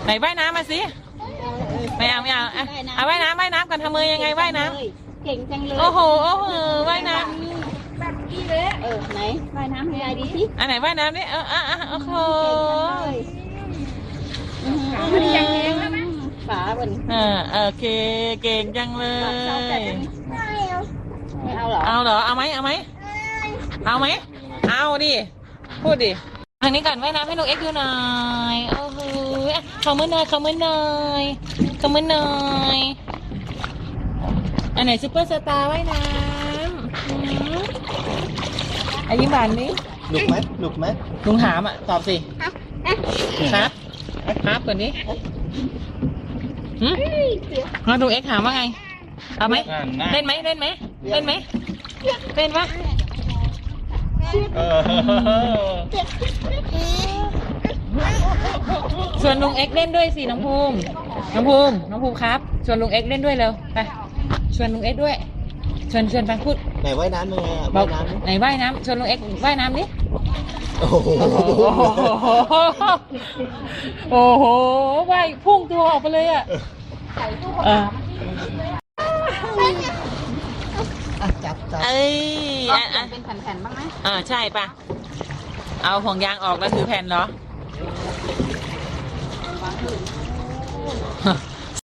ไหนว่ายน้ำมาสิไม่เอาเอาว่ายน้ำกันทำมือยังไงว่ายน้ำเก่งจังเลยำโอ้โหว่ายน้ำแบบกี้เลยไหนว่ายน้ำให้ยายดูสิอันไหนว่ายน้ำนี่โอ้โหมันยังแข็งแล้วนะฝาบนโอเคเก่งจังเลยไม่เอาเหรอเอาเหรอเอาไหมเอาดิพูดดิทางนี้ก่อนว่ายน้ำให้ลูกเอ็กซ์ดูหน่อยโอ้โหขอมือหน่อยอันไหนซุปเปอร์สตาร์ว่ายน้ำยิ้มหวานดิหนุกไหมลุงถามตอบสิครับก่อนดิแล้วลุงเอ็กซ์ถามว่าไงเอาไหมเล่นไหมชวนลุงเอ็กซ์เล่นด้วยสิน้องภูมิครับชวนลุงเอ็กซ์เล่นด้วยเร็วไปชวนลุงเอ็กซ์ด้วยชวนไปพูดไหนว่ายน้ำยังไงว่ายน้ำไหนว่ายน้ำชวนลุงเอ็กซ์ว่ายน้ำดิโอ้โหว่ายพุ่งตัวออกไปเลยอ่ะจับเป็นแผ่นๆบ้างไหมใช่ป่ะเอาห่วงยางออกแล้วถือแผ่นเหรอ